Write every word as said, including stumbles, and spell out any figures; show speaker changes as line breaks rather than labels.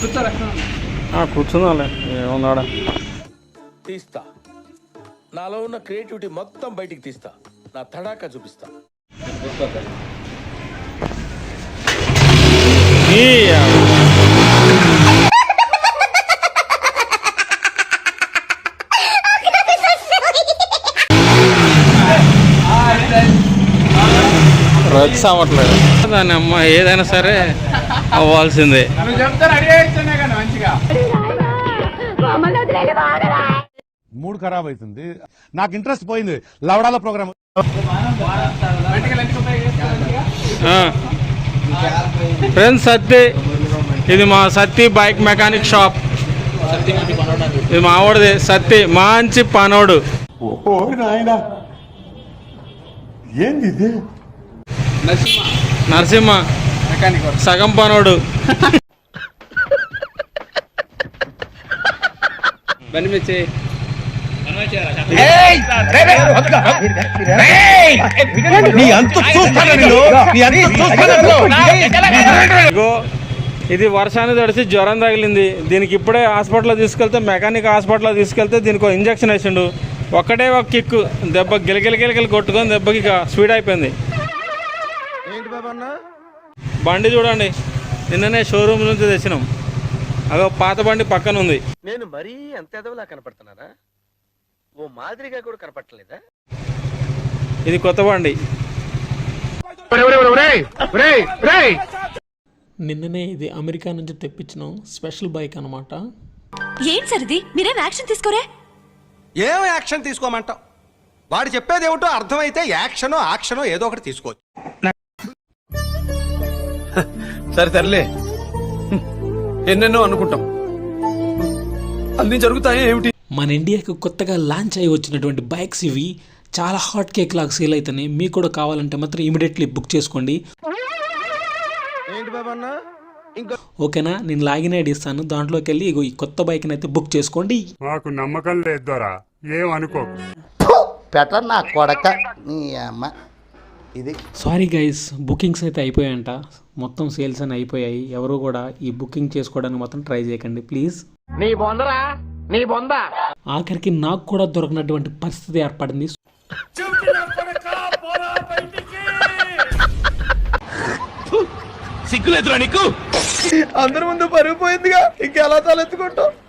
కూర్చుందాలే ఏమన్నాడా
తీస్తా నాలో ఉన్న క్రియేటివిటీ మొత్తం బయటికి తీస్తా నా తడాకా చూపిస్తా
రక్స్ అవ్వట్లేదు దాని అమ్మ ఏదైనా సరే అవ్వాల్సిందే.
మూడ్ ఖరాబ్ అవుతుంది, నాకు ఇంట్రెస్ట్ పోయింది లవడాల ప్రోగ్రామ్.
ఫ్రెండ్స్ సత్తి, ఇది మా సత్తి బైక్ మెకానిక్ షాప్. ఇది మా ఆవిడది సత్తి, మంచి పనోడు.
ఏంది ఇది?
నరసింహ సగం పనోడు. ఇది వర్షాన్ని తడిసి జ్వరం తగిలింది దీనికి. ఇప్పుడే హాస్పిటల్లో తీసుకెళ్తే మెకానిక్ హాస్పిటల్లో తీసుకెళ్తే దీనికి ఒక ఇంజక్షన్ వేసిండు. ఒక్కటే ఒక కిక్ దెబ్బ గిలగిల గిలగిలి కొట్టుకొని దెబ్బకి ఇక స్పీడ్ అయిపోయింది. బండి చూడండి, నిన్ననే షోరూమ్ నుంచి తెచ్చినాం. అదో పాత బండి పక్కన ఉంది.
నేను మరీ అంత ఎదవలా కనపడుతున్నారా? ఓ మాదిరిగా కూడా కనపడలేదా?
ఇది కొత్త బండి.
నిన్ననే ఇది అమెరికా నుంచి తెప్పించిన స్పెషల్ బైక్ అనమాట.
ఏం సరిది మీరేం యాక్షన్ తీసుకోరే?
ఏం యాక్షన్ తీసుకోమంటావు? వాడు చెప్పేది ఏమిటో అర్థమైతే యాక్షనో యాక్షనో ఏదో ఒకటి తీసుకోవచ్చు.
సరే తరలే, ఎన్నెన్నో అనుకుంటాం, అన్ని జరుగుతాయి ఏమిటి?
మన ఇండియాకి కొత్తగా లాంచ్ అయ్యి వచ్చినటువంటి బైక్స్ ఇవి. చాలా హాట్ కేక్ లాగా సేల్ అవుతున్నాయి. మీకు కూడా కావాలంటే మాత్రం ఇమీడియట్లీ బుక్ చేసుకోండి. ఓకేనా, నేను లాగిన్ ఐడి ఇస్తాను, దాంట్లోకి వెళ్ళి ఇగో ఈ కొత్త బైక్ని అయితే బుక్ చేసుకోండి.
మాకు నమ్మకం లేదు దొరా, ఏం అనుకో.
బెటర్ నా కొడక నీ అమ్మ. ఇది
సారీ గైస్, బుకింగ్స్ అయితే అయిపోయాయంట. మొత్తం సేల్స్ అని అయిపోయాయి. ఎవరు కూడా ఈ బుకింగ్ చేసుకోవడానికి మాత్రం ట్రై చేయకండి ప్లీజ్.
నీ బొందరా నీ బొంద.
ఆఖరికి నాకు కూడా దొరకనటువంటి పరిస్థితి ఏర్పడింది.
సిగ్గులేదురా నీకు? అందరి ముందు పరుగు పోయిందిగా, ఇంకెలా తలెత్తుకుంటావు?